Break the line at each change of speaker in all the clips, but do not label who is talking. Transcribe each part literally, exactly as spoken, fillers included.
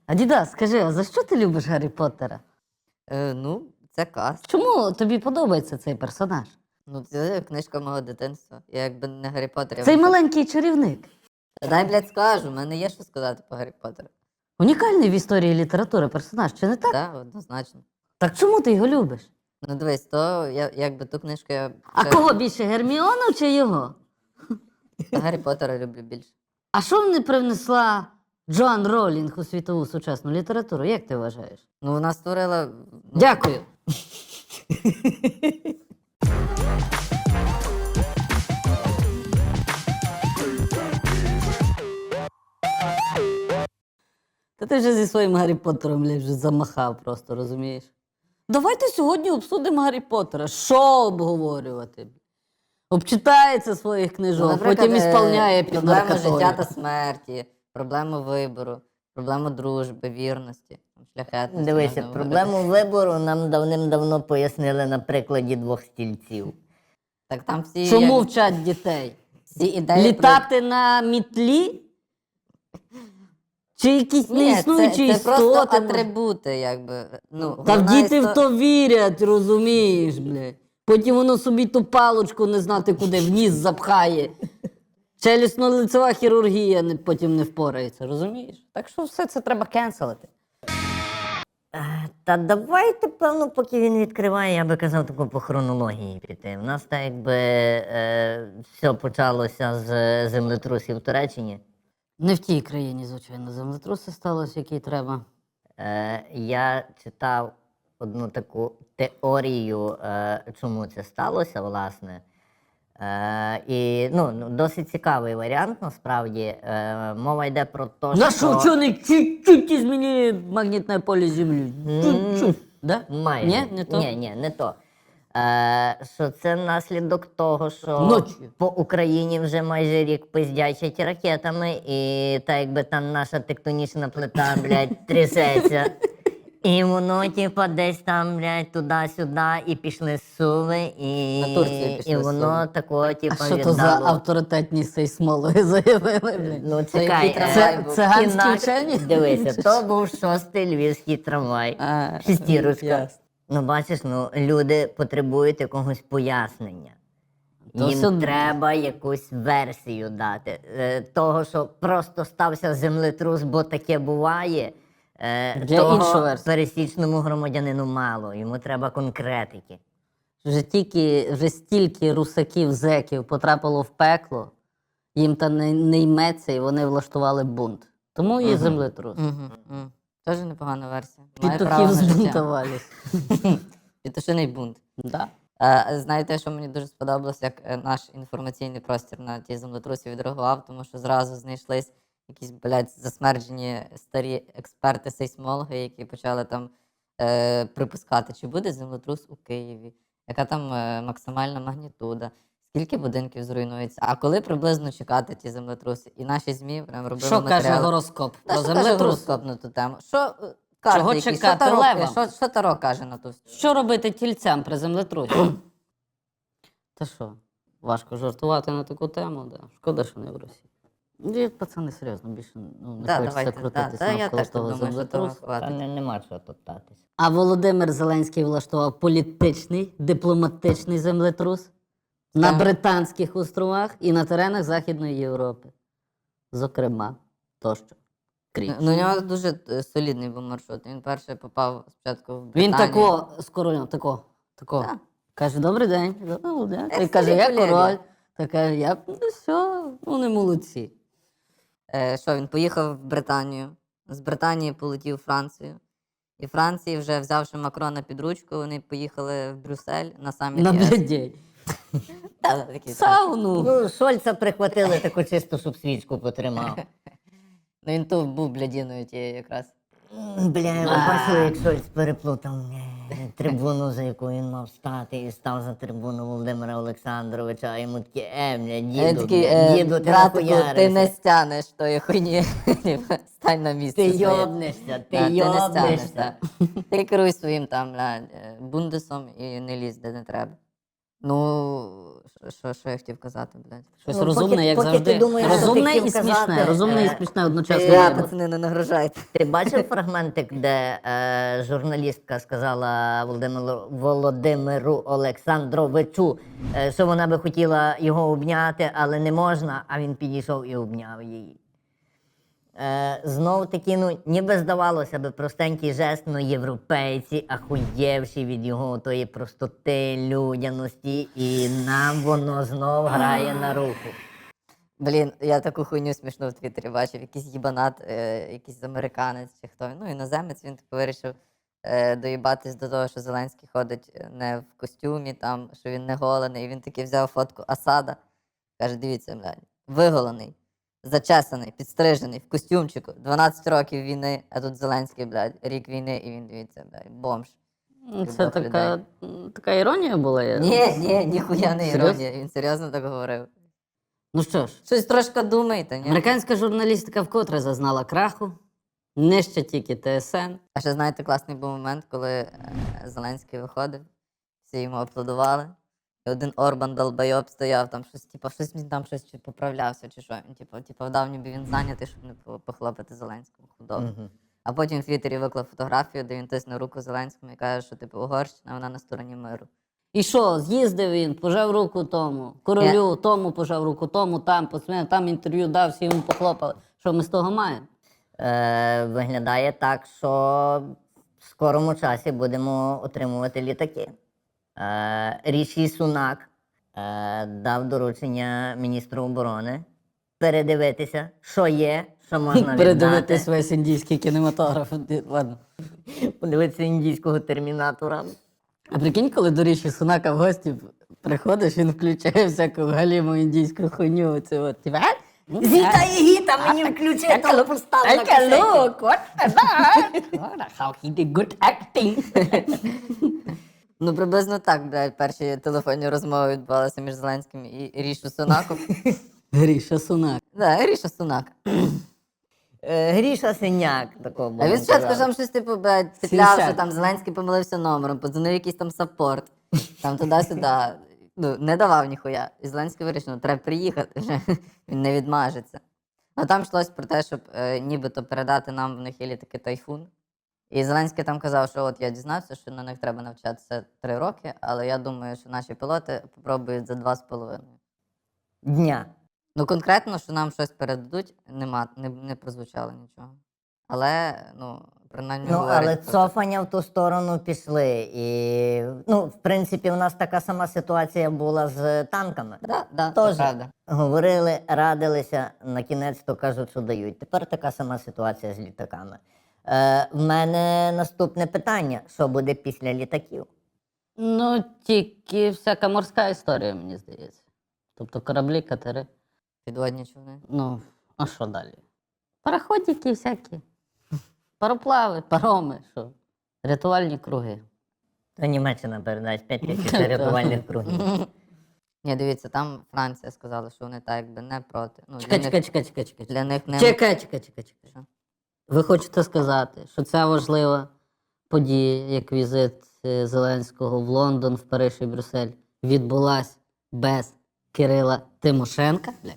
Адідас, скажи, а за що ти любиш Гаррі Поттера?
Е, ну, це каст.
Чому тобі подобається цей персонаж?
Ну, це книжка мого дитинства. Я якби не Гаррі Поттер. я
Цей
б-
маленький чарівник.
Дай, блядь, скажу, в мене є що сказати по Гаррі Поттеру.
Унікальний в історії літератури персонаж, чи не так?
Так, однозначно.
Так чому ти його любиш?
Ну, дивись, то я, якби ту книжку я...
А
ще-
кого більше, Герміону чи його?
Гаррі Поттера люблю більше.
А що не привнесла Джоан Ролінг у світову сучасну літературу? Як ти вважаєш?
Ну, вона створила... Ну,
Дякую. Та ти вже зі своїм Гаррі Поттером блядь, вже замахав просто, розумієш? Давайте сьогодні обсудимо Гаррі Поттера. Що обговорювати? Обчитається своїх книжок,
наприклад,
потім
е,
ісполняє під
проблему
наркотою.
життя та смерті, проблему вибору, проблему дружби, вірності, шляхетності.
Дивися,
можна
проблему вибору нам давним-давно пояснили на прикладі двох стільців.
Так там всі,
Чому
як-
вчать дітей?
всі ідеї...
Літати на мітлі? Чи якісь
Ні, це,
неіснуючі
це просто
істоти?
атрибути, якби. Ну,
Та
головна
діти
істо-
в то вірять, розумієш, блядь. Потім воно собі ту палочку не знати куди, в ніс запхає. Челюстно-лицева хірургія не- потім не впорається, розумієш? Так що все це треба кенселити.
Е, Та давайте, певно, поки він відкриває, я би казав, таку по хронології піти. У нас так якби е, все почалося з землетрусів в Туреччині.
Не в тій країні, звичайно, землетруси сталося, який треба.
Е, я читав одну таку теорію, е, чому це сталося, власне. Е, і ну, ну, досить цікавий варіант, насправді. Е, мова йде про те,
На
що...
що вчений чуть-чуть зміни магнітне поле Землі? Чуть-чуть. Да?
Майже.
Ні, не то?
Ні, ні, не то. Е, що це наслідок того, що
Ночі.
по Україні вже майже рік пиздячать ракетами, і так якби там наша тектонічна плита, блядь, трясеться. І воно, типа, десь там, блядь, туди-сюди, і пішли суви, і,
На Турцію пішли
і воно
суви.
такого,
А
типа,
що то за
віддало.
авторитетні сейсмологи заявили? блядь?
Ну,
Це
чекай,
який
е,
трамвай
Це
був?
циганські
інакше-
вчені?
Дивися, то був шостий львівський трамвай.
А,
Шестірочка.
ясно.
Ну, бачиш, ну, люди потребують якогось пояснення.
То
Їм
все-
треба якусь версію дати. Е, того, що просто стався землетрус, бо таке буває. Е,
Для
того
іншу версію.
пересічному громадянину мало. Йому треба конкретики.
Вже тільки вже стільки русаків, зеків потрапило в пекло, їм та не, не йметься, і вони влаштували бунт. Тому і землетрус.
Угу, угу. Теж непогана версія. Має право
Петухів
на життя.
збунтувались.
Петушиний бунт.
Да.
Е, знаєте, що мені дуже сподобалось, як е, наш інформаційний простір на ті землетрусі відреагував, тому що зразу знайшлись якісь, блядь, засмерджені старі експерти-сейсмологи, які почали там е, припускати, чи буде землетрус у Києві, яка там е, максимальна магнітуда, скільки будинків зруйнується, а коли приблизно чекати ті землетруси. І наші ЗМІ прям робили
Що каже
матеріали.
гороскоп
Та
про
що каже
землетрус?
гороскоп на ту тему? Що е, карти
Чого
які?
чекати
що Таро,
левам?
Що, що Таро каже на ту?
Що робити тільцям при землетрусі? Та що, важко жартувати на таку тему, да. Шкода, що не в Росії. Ні, пацани, серйозно, більше ну, не
Да,
хочеться
давайте,
крутитись
да, та я
навколо
теж так
того
думаю, що того
землетрусу.
Та
хватить.
не, нема чого топтатись.
А Володимир Зеленський влаштував політичний, дипломатичний землетрус на
Так.
Британських островах і на теренах Західної Європи. Зокрема, тощо. Кріч.
Ну, у нього дуже е, солідний був маршрут. Він перший попав спочатку в
Він
Британію.
тако з королем, тако, тако.
Так.
Каже, добрий день. Добрий день.
Як
І каже,
старі
я
колеги.
король. Та каже, я ну все, ну не молодці.
Е, що, він поїхав в Британію, з Британії полетів в Францію. І Франції, вже взявши Макрона під ручку, вони поїхали в Брюссель на саміт
На
ЄС.
блядей.
Та, такий, так.
Сауну.
Ну, Шольца прихватили таку чисту, щоб свічку потримав.
Ну він то був блядіною тією якраз.
М, Бля, ви бачили, як Шольц переплутав е, трибуну, за яку він мав стати, і став за трибуну Володимира Олександровича, а йому такі, е, бля,
Я
діду,
такий,
бля,
е,
діду, ти
братику, ти
нахуярився.
не стянеш тої хуйні. Стань на місце
Ти
своє.
йобнешся,
Да,
ти
ти не стянеш,
йобнешся.
да. Ти керуй своїм там бля, е, бундесом і не лізь, де не треба. Ну, що- що, що я хотів казати, блядь?
Щось
Ну,
розумне,
поки-
як
поки
завжди.
ти думаєш, що ти
розумне
хотів
і смішне.
казати,
Розумне і
е,
смішне одночасно.
ти-
Я,
треба.
пацани, не нагрожайте.
Ти бачив фрагментик, де е, журналістка сказала Володимиру, Володимиру Олександровичу, е, що вона би хотіла його обняти, але не можна, а він підійшов і обняв її. Е, знов таки, ну, ніби здавалося би, простенький жест, ну європейці, ахуєвші від його тої простоти, людяності, і нам воно знов грає на руку.
Блін, я таку хуйню смішну в Твіттері бачив. Якийсь їбанат, е, якийсь американець чи хто. Ну, іноземець, він типу вирішив е, доїбатись до того, що Зеленський ходить не в костюмі, там, що він не голений. І він таки взяв фотку Асада. Каже, дивіться, блядь, виголений, зачесаний, підстрижений, в костюмчику, дванадцять років війни, а тут Зеленський, блядь, рік війни, і він, дивіться, блядь, бомж.
Це
Любов
така, така іронія була. я-
Ні, ні, ніхуя не
Серйозно?
іронія, він серйозно так говорив.
Ну що ж,
Щось трошки думайте, ні?
американська журналістика вкотре зазнала краху. Не ще тільки ТСН.
А ще знаєте, класний був момент, коли е, Зеленський виходив, всі йому аплодували. І один Орбан долбойоб стояв, там щось, типу, щось він там щось чи поправлявся, чи що. Він, типу, типу, вдав, ніби він зайнятий, щоб не по- похлопати Зеленському худобу. А потім в Твіттері виклав фотографію, де він тисне руку Зеленському і каже, що типу Угорщина, вона на стороні миру.
І що, з'їздив він, пожав руку тому, королю, тому пожав руку, тому, там, посміяв, там інтерв'ю дав, всі йому похлопали. Що ми з того маємо?
Е, виглядає так, що в скорому часі будемо отримувати літаки. Е, Ріші Сунак е, дав доручення міністру оборони передивитися, що є, що можна
Передивитись
віддати.
весь індійський кінематограф. Ладно.
Подивитися індійського термінатора.
А прикинь, коли до Ріші Сунака в гості приходиш, він включає всяку галіму індійську хуйню. Це от, типа,
Зіта і гіта, мені включи, то постав на
Take a
касеті.
look, what that? How he did good acting.
Ну, приблизно так, блядь, перші телефонні розмови відбувалися між Зеленським і Рішу Сунаком.
Гріша Сунак.
Да, Ріша Сунак.
Е, Гріша Синяк, такого
А він
будемо
спочатку
казати.
там щось, типу, блядь, петляв, що
Сімдесят.
там Зеленський помилився номером, подзвонив якийсь там саппорт, там туди-сюди. Ну, не давав ніхуя. І Зеленський вирішив, ну, треба приїхати вже, він не відмажеться. Ну, там йшлось про те, щоб е, нібито передати нам в них є літаки Тайфун. І Зеленський там казав, що от я дізнався, що на них треба навчатися три роки, але я думаю, що наші пілоти попробують за два з половиною.
Дня.
Ну, конкретно, що нам щось передадуть, нема, не, не прозвучало нічого. Але, ну, принаймні,
Ну,
говорять
але
про те.
цофання в ту сторону пішли. І, ну, в принципі, у нас така сама ситуація була з танками.
Да, да, це
Тоже
правда.
говорили, радилися, на кінець то кажуть, що дають. Тепер така сама ситуація з літаками. Е, в мене наступне питання: що буде після літаків?
Ну, тільки всяка морська історія, мені здається. Тобто кораблі, катери.
Підводні човни.
Ну, а що далі? Пароходики всякі. Пароплави, пароми, що? Рятувальні круги.
То Німеччина передасть п'ять тисяч рятувальних кругів.
Ні, дивіться, там Франція сказала, що вони так якби не проти. Ну,
Чекай,
для,
чекай,
них,
чекай, чекай, чекай.
для них не...
Чекай, чекай, чекай, чекай.
Що?
Ви хочете сказати, що ця важлива подія, як візит е, Зеленського в Лондон, в Париж і Брюссель, відбулась без Кирила Тимошенка? Блядь.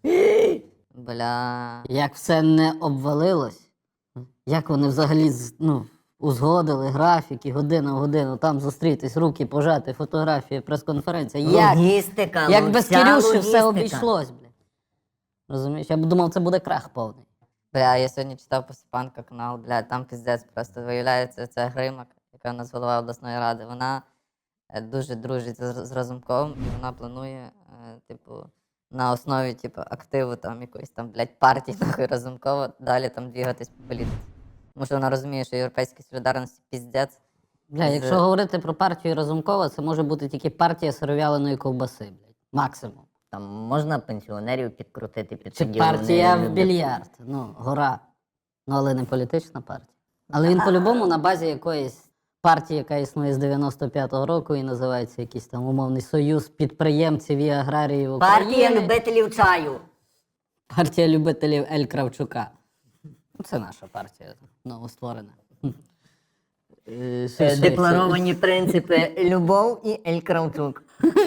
Бля...
Як все не обвалилось? Як вони взагалі з- ну, узгодили графіки, година в годину, там зустрітись, руки пожати, фотографії, прес-конференція. Як?
Логістика.
Як
ну,
без
вся
Кирюші все
логістика.
обійшлось, блядь. Розумієш? Я б думав, це буде крах повний.
Бля, я сьогодні читав Посипанка канал, бля, там піздець просто виявляється, це Гримак, яка у нас голова обласної ради. Вона е, дуже дружить з, з Разумковим, і вона планує, е, типу, на основі типу, активу там якоїсь там, блядь, партії нахуй Разумкова далі там двігатись по політиці. Тому що вона розуміє, що європейська солідарність піздець.
Бля,
З-
якщо говорити про партію Разумкова, це може бути тільки партія сиров'яленої ковбаси, блядь. Максимум.
Там можна пенсіонерів підкрутити під
Чи
тоді
партія
вони
в
люблять.
більярд. Ну, гора. Ну, але не політична партія. Але він по-любому на базі якоїсь партії, яка існує з дев'яносто п'ятого року і називається якийсь там умовний союз підприємців і аграріїв України.
Партія любителів чаю.
Партія любителів Ель Кравчука. Ну, це наша партія, новостворена. Е, що-
Е,
що-
Декларовані принципи Любов і Ель Кравчук.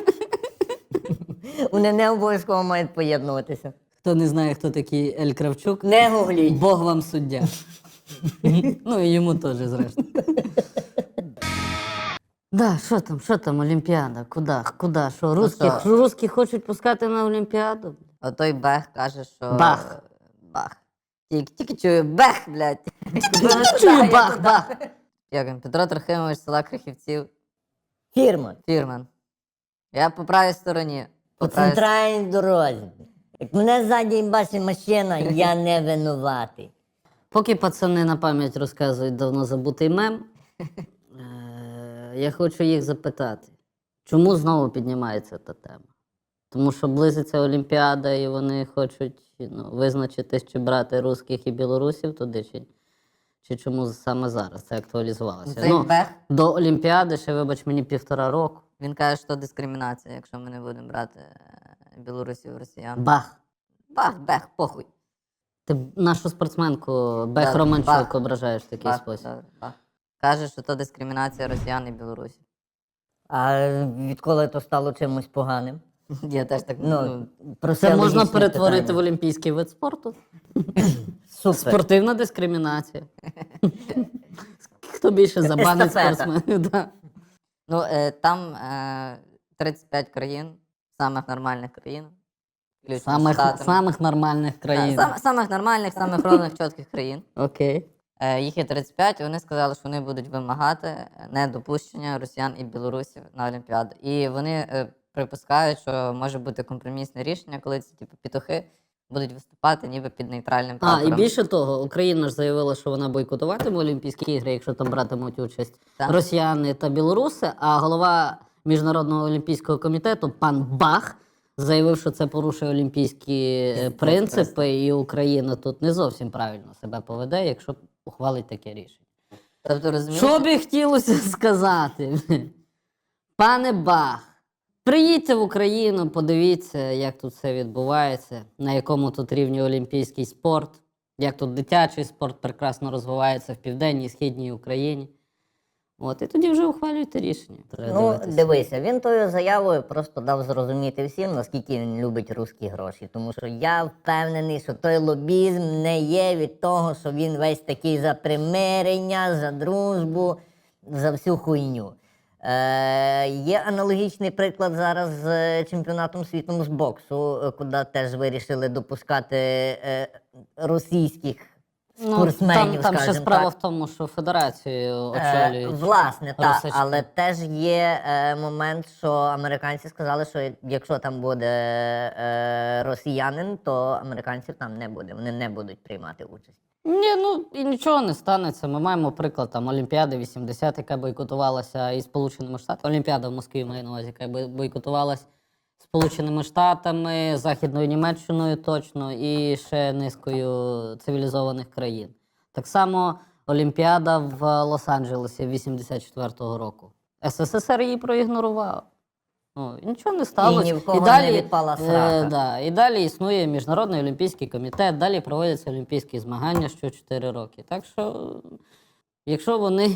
Вони не обов'язково мають поєднуватися.
Хто не знає, хто такий Ель Кравчук,
Не гугліть.
Бог вам суддя. Ну і йому теж, зрештою. Да, що там, що там, Олімпіада? Куди? Куди? Що, русських,
що?
русських хочуть пускати на Олімпіаду?
А той Бех каже, що.
Бах.
Бах. Тільки, тільки чую Бех, блядь.
Чую, бах, бах.
Як він? Петро Трохимович, з села Крихівців,
Фірма.
фірмен. Я по правій стороні.
По
правій с-
центральній дорозі. Як мене ззаді їбачить машина, я не винуватий.
Поки пацани на пам'ять розказують давно забутий мем, е, я хочу їх запитати, чому знову піднімається та тема? Тому що близиться Олімпіада, і вони хочуть ну, визначитись, чи брати русських і білорусів туди, чи, чи чому саме зараз це актуалізувалося.
Цей
Ну,
Бех,
до Олімпіади ще, вибач мені, півтора року.
він каже, що дискримінація, якщо ми не будемо брати е, білорусів, росіян.
Бах!
Бах, Бех, похуй.
Ти нашу спортсменку Бех
Да,
Романчук
бах.
ображаєш в такий
Бах,
спосіб.
добре, бах. Каже, що то дискримінація росіян і білорусів.
А відколи то стало чимось поганим?
Я теж так
Ну,
ну,
про
Це можна
логічне
перетворити в
питання.
олімпійський вид спорту.
Супер.
Спортивна дискримінація. Хто більше забанить
Естафета.
спортсменів? Да.
Ну, е, там е, тридцять п'ять країн, самих нормальних країн. включно з
Самих,
Штатами.
самих нормальних
Да,
країн.
сам- самих нормальних, самих ровних, чітких країн.
Окей.
Е, їх є тридцять п'ять, і вони сказали, що вони будуть вимагати недопущення росіян і білорусів на Олімпіаду. І вони е, припускають, що може бути компромісне рішення, коли ці типу, петухи будуть виступати ніби під нейтральним
А,
прапором.
і більше того, Україна ж заявила, що вона бойкотуватиме Олімпійські ігри, якщо там братимуть участь
Так.
росіяни та білоруси. А голова Міжнародного олімпійського комітету пан Бах заявив, що це порушує олімпійські е, принципи, і Україна тут не зовсім правильно себе поведе, якщо ухвалить таке рішення.
Тобто, розумієте?
Що би хотілося сказати? Пане Бах, приїдьте в Україну, подивіться, як тут все відбувається, на якому тут рівні олімпійський спорт, як тут дитячий спорт прекрасно розвивається в південній і східній Україні. От, і тоді вже ухвалюйте рішення. Треба
Ну,
дивитися.
дивися, він тою заявою просто дав зрозуміти всім, наскільки він любить русські гроші. Тому що я впевнений, що той лобізм не є від того, що він весь такий за примирення, за дружбу, за всю хуйню. Е, є аналогічний приклад зараз з е, чемпіонатом світу з боксу, е, куди теж вирішили допускати е, російських
Ну,
спортсменів,
там, там ще
скажімо
справа
так.
в тому, що федерацію
Е,
очолюють.
власне, так,
русички.
але теж є е, момент, що американці сказали, що якщо там буде е, росіянин, то американців там не буде. Вони не будуть приймати участь.
Ні, ну і нічого не станеться. Ми маємо приклад там Олімпіади вісімдесят, яка бойкотувалася і Сполученими Штатами. Олімпіада в Москві маю на увазі, яка бой- бойкотувалась Сполученими Штатами, Західною Німеччиною точно і ще низкою цивілізованих країн. Так само Олімпіада в Лос-Анджелесі вісімдесят четвертого року. СССР її проігнорував. Ну, і нічого не сталося.
ні в кого не відпала срака.
да, і далі існує Міжнародний олімпійський комітет, далі проводяться олімпійські змагання що чотири роки. Так що, якщо вони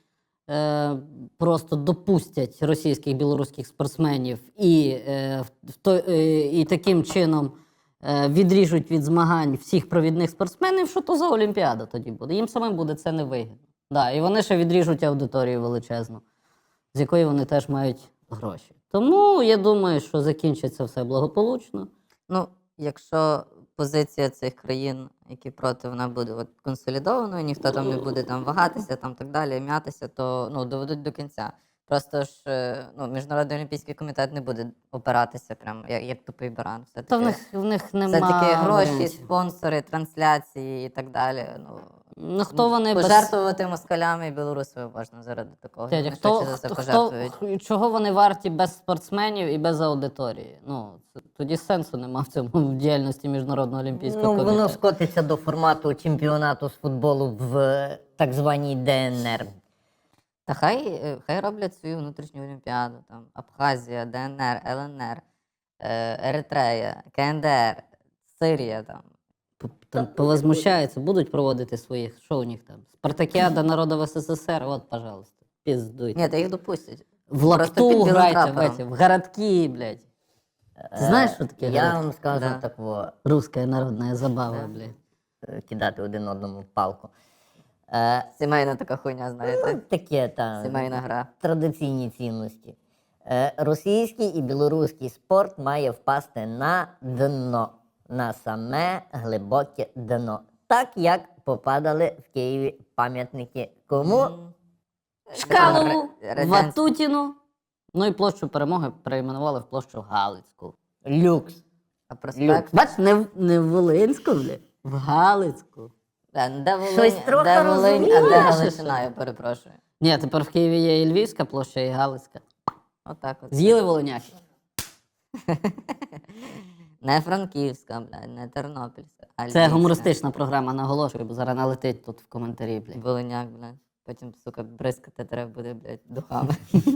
е, просто допустять російських білоруських спортсменів і, е, в- в той- е, і таким чином е, відріжуть від змагань всіх провідних спортсменів, що то за Олімпіада тоді буде? Їм самим буде це невигідно. Да, і вони ще відріжуть аудиторію величезну, з якої вони теж мають гроші. Тому я думаю, що закінчиться все благополучно.
Ну, якщо позиція цих країн, які проти, вона буде от консолідованою, ніхто там не буде там вагатися, там так далі, м'ятися, то ну, доведуть до кінця. Просто ж е, ну, Міжнародний олімпійський комітет не буде опиратися прямо як, як тупий баран. Все
Та в
таки,
них, в них немає.
все таки гроші,
варіантів.
спонсори, трансляції і так далі. Ну,
Ну, хто вони без...
пожертвувати москалями і білорусами можна заради такого.
Дядя,
Вони
хто,
швидше за все
хто,
пожертвують.
хто, чого вони варті без спортсменів і без аудиторії? Ну, це- тоді сенсу нема в цьому в діяльності Міжнародного олімпійського
Ну,
комітету.
воно скотиться до формату чемпіонату з футболу в е, так званій ДНР.
Та хай, е, хай роблять свою внутрішню олімпіаду. Там Абхазія, ДНР, ЛНР, е, Еритрея, КНДР, Сирія там.
там повозмущаються, будуть проводити своїх, що у них там? Спартакіада народів СССР, от, пожалуйста, піздуйте.
Ні, та їх допустять.
В
Просто
лапту
під білим
грайте, в,
прапором.
эти, в городки, блядь. Ти знаєш, що таке
Я
городки?
вам скажу
Да.
такого,
Русская народная забава, блядь.
е, кидати один одному в палку. Е,
Сімейна така хуйня, знаєте.
таке там.
Сімейна гра.
Традиційні цінності. Е, російський і білоруський спорт має впасти на дно, на саме глибоке дно. Так як попадали в Києві пам'ятники кому?
Шкалову,
Ре- Радянський.
Ватутіну, ну і площу Перемоги перейменували в площу Галицьку.
Люкс.
А
Люк.
проспект.
Бач, не, в- не в Волинську, блядь, в Галицьку.
Да, ну, де Волинь,
Щось трохи
де Волинь, а де
розумієш,
Галичина, я перепрошую.
Ні, тепер в Києві є і Львівська площа, і Галицька.
Отак от.
З'їли волиняки.
Не Франківська, блядь, не Тернопільська. А
Це
Львівська.
гумористична програма, наголошую, бо зараз налетить тут в коментарі, блядь.
Волиняк, блядь. Потім, сука, бризкати треба буде, блядь, духами.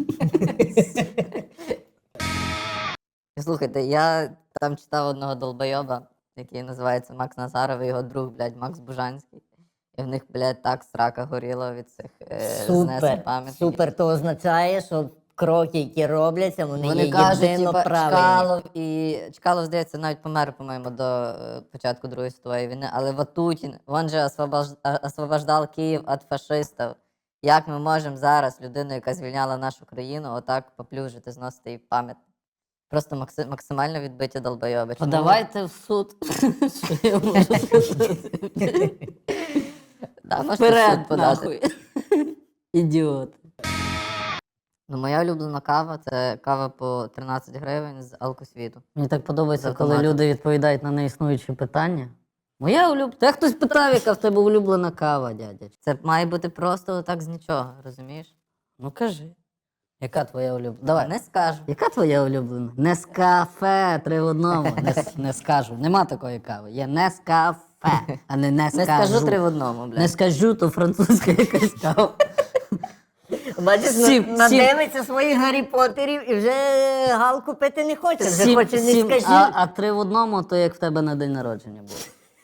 Слухайте, я там читав одного долбойоба, який називається Макс Назаров, і його друг, блядь, Макс Бужанський. І в них, блядь, так срака горіла від цих е, знесень
Супер.
пам'ятників.
Супер, то означає, що кроки, які робляться, вони,
Вони
є
кажуть,
єдино
типа,
правильні.
Чкалов і Чкалов, здається, навіть помер, по-моєму, до е, початку Другої світової війни, але Ватутін, він же освобож... а- освобождав Київ від фашистів. Як ми можемо зараз людину, яка звільняла нашу країну, отак поплюжити, зносити її пам'ятник? Просто макси... максимально відбиті долбойоби. Чому?
Подавайте в суд. Що я можу сказати?
Да, можете в
Вперед,
суд подати.
нахуй. Ідіот.
Ну, моя улюблена кава це кава по тринадцять гривень з алкосвіту.
Мені так подобається,
З
коли
автоматом.
люди відповідають на неіснуючі питання. Моя улюблена. Та хтось питав, яка в тебе улюблена кава, дядя.
Це має бути просто так з нічого, розумієш?
Ну кажи. Яка твоя улюблена? Давай.
Не скажу.
Яка твоя улюблена? Нескафе, три в одному. Не, с- не скажу. Нема такої кави. Є Нескафе, а не не
Не
скажу.
скажу три в одному, блядь.
Не скажу, то французька якась кава.
Бачиш,
Сім,
на-
сім.
надивиться своїх Гаррі Поттерів і вже галку пити не хоче, вже
Сім-
хоче не
сім,
скажи.
а, а три в одному, то як в тебе на день народження було.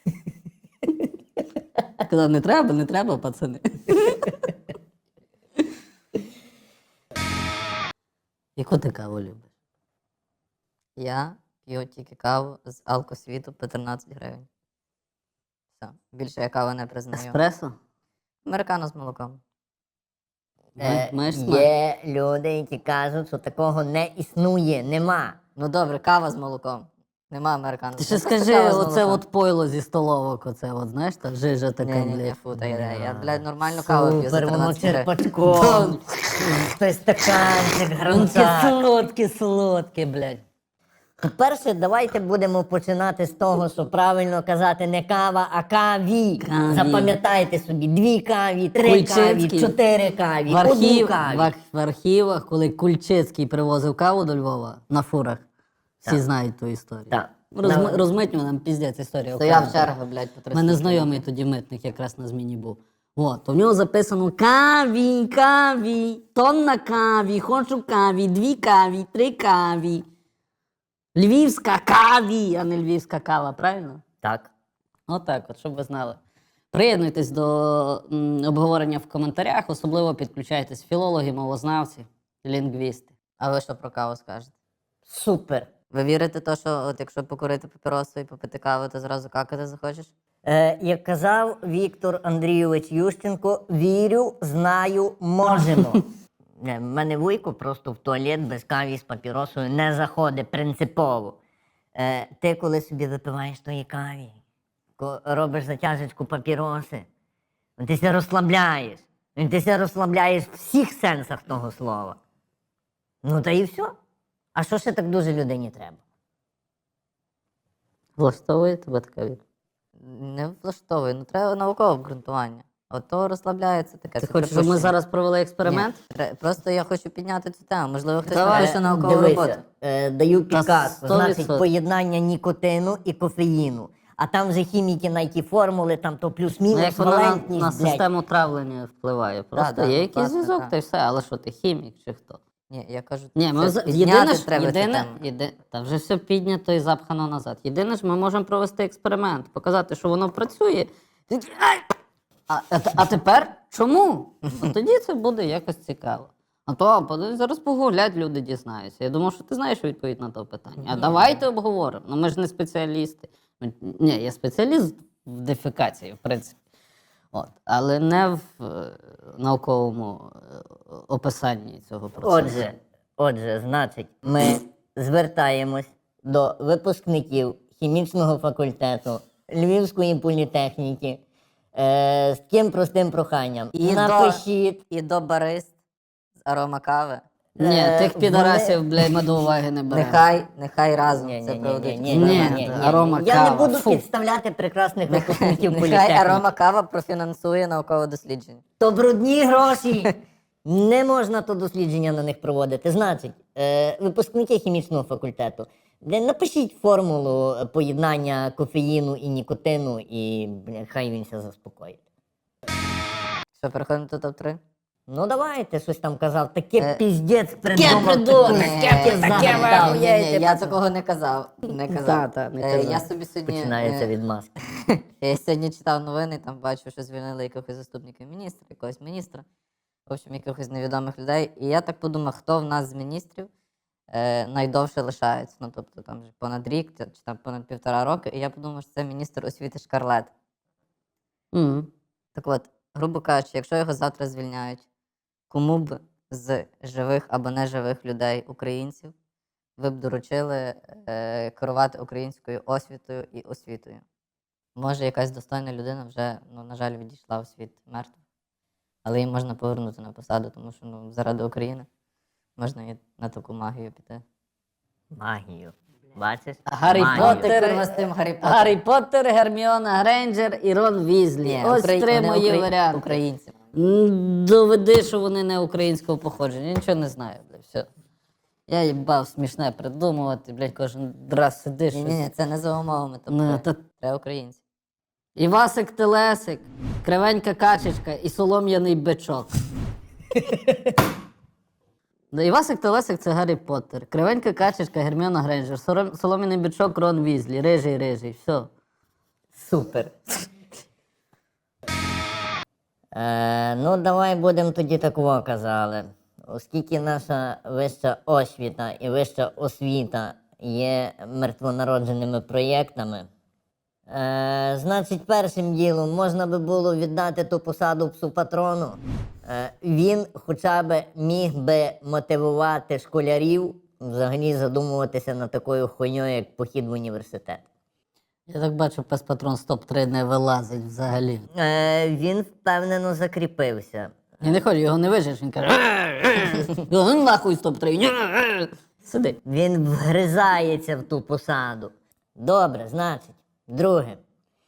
Казав, не треба, не треба, пацани. Яку ти каву любиш?
Я п'ю тільки каву з алкосвіту по тринадцять гривень. Все. Більше я каву не признаю.
Еспресо?
Американо з молоком.
Е,
Маєш смак?
є люди, які кажуть, що такого не існує, нема.
Ну добре, кава з молоком. Нема американо.
Ти
з
ще
молоком. Просто
скажи,
кава з
оце
молоком.
от пойло зі столовок, оце от, знаєш, та жижа така,
Ні, ні, ні,
блядь.
фу, та я, я, блядь, нормальну каву п'ю за
Супер, воно
тринадцять гривень.
черпачком. Той стаканчик,
Він
гранцак.
солодке, солодке, блядь.
По-перше, давайте будемо починати з того, що правильно казати не кава, а каві.
Каві.
Запам'ятайте собі, дві каві, три
Кульчицький.
каві, чотири каві,
В, архів,
одну каві.
в, ар- в архівах, коли Кульчицький привозив каву до Львова на фурах, всі
Так.
знають ту історію.
Так.
Розм...
Да.
Розмитню нам піздець історія.
Стояв
окрема.
черга, блядь, по
У
триста.
мене знайомий тоді митник якраз на зміні був. От, то в нього записано каві, каві, тонна каві, хочу каві, дві каві, три каві. Львівська каві, а не львівська кава, правильно?
Так.
Отак, от, щоб ви знали. Приєднуйтесь до м, обговорення в коментарях, особливо підключайтесь філологи, мовознавці, лінгвісти.
А ви що про каву скажете?
Супер.
Ви вірите то, що от якщо покурити папіросу і попити каву, то зразу какати захочеш?
Е, як казав Віктор Андрійович Ющенко, вірю, знаю, можемо. Не, в мене вуйко просто в туалет без каві з папіросою не заходить принципово. Е, ти коли собі випиваєш тої каві, ко- робиш затяжечку папіроси, ти ся розслабляєш. Ти ся розслабляєш в всіх сенсах того слова. Ну та і все. А що ще так дуже людині треба?
Влаштовує тебе така відповідь?
Не влаштовує, ну треба наукове обґрунтування. От то розслабляється таке.
Ти
це
хочеш, щоб ми
припущення.
зараз провели експеримент?
Ні, тре- просто я хочу підняти цю тему. Можливо, хтось
Давай.
напише наукову
Дивися,
роботу.
е, даю
Та
підказку.
сто
Значить,
відсотків.
поєднання нікотину і кофеїну. А там вже хіміки на ті формули, там то
Ну,
плюс-мінус,
як вона на,
валентність,
на
блядь.
систему травлення впливає. Просто
да,
є
ну,
якийсь
власне,
зв'язок,
так.
та й все. Але що ти хімік чи хто?
Ні, я кажу,
Ні, ми
це
за-
підняти
єдине ж,
треба цю
єдине,
тему.
єди, та вже все піднято і запхано назад. Єдине ж, ми можемо провести експеримент, показати, що воно працює. Такі, «Ай!» А, а, т- а тепер чому? От тоді це буде якось цікаво. А то подивись, зараз погуглять, люди дізнаються. Я думав, що ти знаєш відповідь на те питання. А давайте обговоримо. Ну ми ж не спеціалісти. Ми- Ні, я спеціаліст в дефекації, в принципі. От, але не в е, науковому е, описанні цього процесу.
Отже, отже, значить, ми звертаємось до випускників хімічного факультету Львівської політехніки е, з таким простим проханням.
І
Напишіть.
до, і до барист з арома кави.
Ні,
Е,
тих
вони-
підарасів, блядь, ми до уваги не беремо.
Нехай, нехай разом
Ні,
це
ні, ні,
проведуть.
ні, ні,
Ні,
ні, ні, ні.
арома
Я
кава,
не буду
фу.
підставляти прекрасних випускників
Нехай
політехніки.
арома кава профінансує наукове дослідження.
То брудні гроші. Не можна то дослідження на них проводити. Значить, е, випускники хімічного факультету, бля, напишіть формулу е, поєднання кофеїну і нікотину, і бля, хай він ся заспокоїть.
Що, переходимо до топ три?
Ну давайте, щось там казав. Таке
Е,
піздець придумав.
придумав,
таке-
таке-
таке
таке
загадав.
ви
Ні, ні,
охуєєте,
я
пацан.
такого не казав. Не казав.
Та, та, не
Е,
казав.
Я собі сьогодні,
Починається
е,
від маски.
я сьогодні читав новини, там бачу, що звільнили якихось заступників міністра, якогось міністра, в общем, якихось невідомих людей. І я так подумав, хто в нас з міністрів е, найдовше лишається. Ну, тобто там вже понад рік чи там понад півтора роки. І я подумав, що це міністр освіти Шкарлет.
Мгм.
Так от, грубо кажучи, якщо його завтра звільняють, кому б з живих або неживих людей, українців, ви б доручили е, керувати українською освітою і освітою? Може, якась достойна людина вже, ну, на жаль, відійшла у світ мертвих, але її можна повернути на посаду, тому що ну, заради України можна і на таку магію піти.
Магію. Бачиш?
Гаррі
Магію.
Поттер,
Ти, курва, з тим Гаррі Поттер.
Гаррі Поттер, Герміона Грейнджер і Рон Візлі.
Ні,
Ось
Украї-
три
вони
мої
украї-
варіанти.
Українці.
М, Доведи, що вони не українського походження. Я нічого не знаю, бля, все. Я їбав смішне придумувати, блядь, кожен раз сидиш.
Ні, ні, ні, це не за умовами.
Ну,
Тобто,
та-
треба українці.
Івасик Телесик, кривенька качечка і солом'яний бичок. Да, Івасик Телесик це Гаррі Поттер. Кривенька качечка, Герміона Грейнджер, сором- солом'яний бичок, Рон Візлі, рижий, рижий, все.
Супер. Е, ну, давай будемо тоді такого казали. Оскільки наша вища освіта і вища освіта є мертвонародженими проєктами, е, значить, першим ділом можна би було віддати ту посаду псу патрону. Е, він хоча б міг би мотивувати школярів взагалі задумуватися над такою хуйньою, як похід в університет.
Я так бачу, пес патрон з топ три не вилазить взагалі.
Е, він впевнено закріпився.
Я не хочу, його не вижиш, він каже. «Його ну нахуй з топ три. Сиди.
Він вгризається в ту посаду. Добре, значить, друге.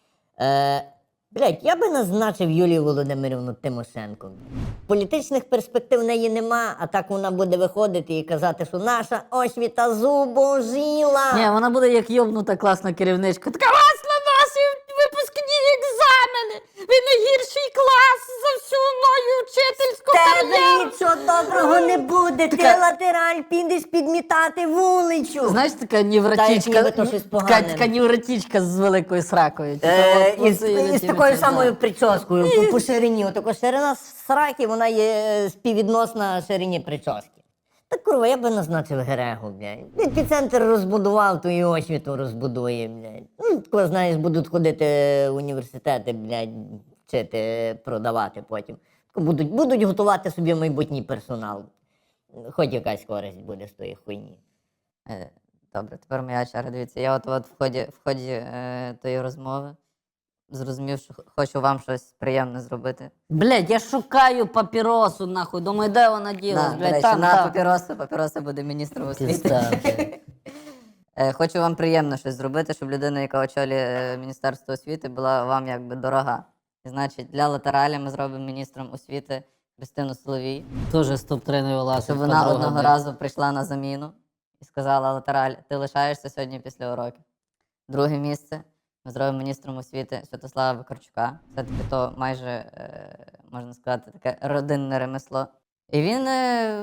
Е, блядь, я би назначив Юлію Володимирівну Тимошенко. Політичних перспектив в неї нема, а так вона буде виходити і казати, що наша освіта зубожіла.
Ні, вона буде як йобнута класна керівничка. Така, вас на ваші випускні екзамени. Ви найгірший клас за всю мою вчительську
Тебе
кар'єру.
нічого доброго не буде, ти
Така-
латераль підеш підмітати вулицю.
Знаєш, така
Та
невротичка,
як ніби то щось
така,
погане.
така невротичка з великою сракою. Типа,
Е,
от
із,
оце я
із
тобі
такою
казав.
самою прическою по, по ширині. Отако ширина сраки, вона є е, співвідносна ширині прически. Та курва, я би назначив Герегу, блядь. Епіцентр розбудував, то і освіту розбудує, блядь. Ну, тако, знаєш, будуть ходити в університети, блядь, вчити, продавати потім. Тако будуть, будуть готувати собі майбутній персонал. Хоч якась користь буде з тої хуйні.
Е, Добре, тепер моя черга. Дивіться, я от, от в ході, в ході е, тої розмови зрозумів, що х- хочу вам щось приємне зробити.
Блядь, я шукаю папіросу, нахуй. Думаю, де вона ділась,
На, до
блядь,
речі,
там,
на
там.
папіроса, папіроса буде міністром освіти.
Пізда, блядь.
Е, Хочу вам приємно щось зробити, щоб людина, яка очолює е, Міністерство освіти, була вам якби дорога. І, значить, для латералі ми зробимо міністром освіти Христину Соловій,
Тоже з топ три не вилазить.
щоб вона
подруга,
одного
блядь.
разу прийшла на заміну і сказала: Латераль, ти лишаєшся сьогодні після уроків. Друге місце ми зробимо міністром освіти Святослава Викарчука. Все-таки то майже, е, можна сказати, таке родинне ремесло. І він е,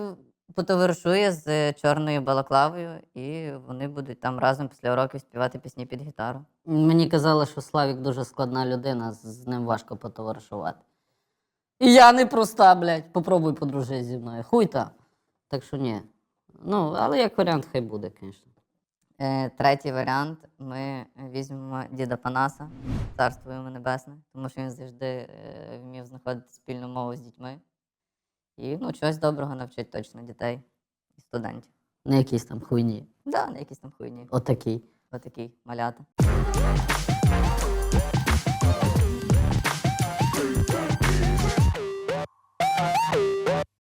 потоваришує з чорною балаклавою, і вони будуть там разом після уроків співати пісні під гітару.
Мені казали, що Славік дуже складна людина, з- з ним важко потоваришувати. І я не проста, блядь. Попробуй подружити зі мною. Хуй там. Так що ні. Ну, але як варіант, хай буде, звісно.
Е, третій варіант. Ми візьмемо діда Панаса, царство йому небесне, тому що він завжди е, вмів знаходити спільну мову з дітьми. І ну, чогось доброго навчить точно дітей і студентів.
Не якісь там хуйні.
Да, не якісь там хуйні.
Отакий.
Отакий малята.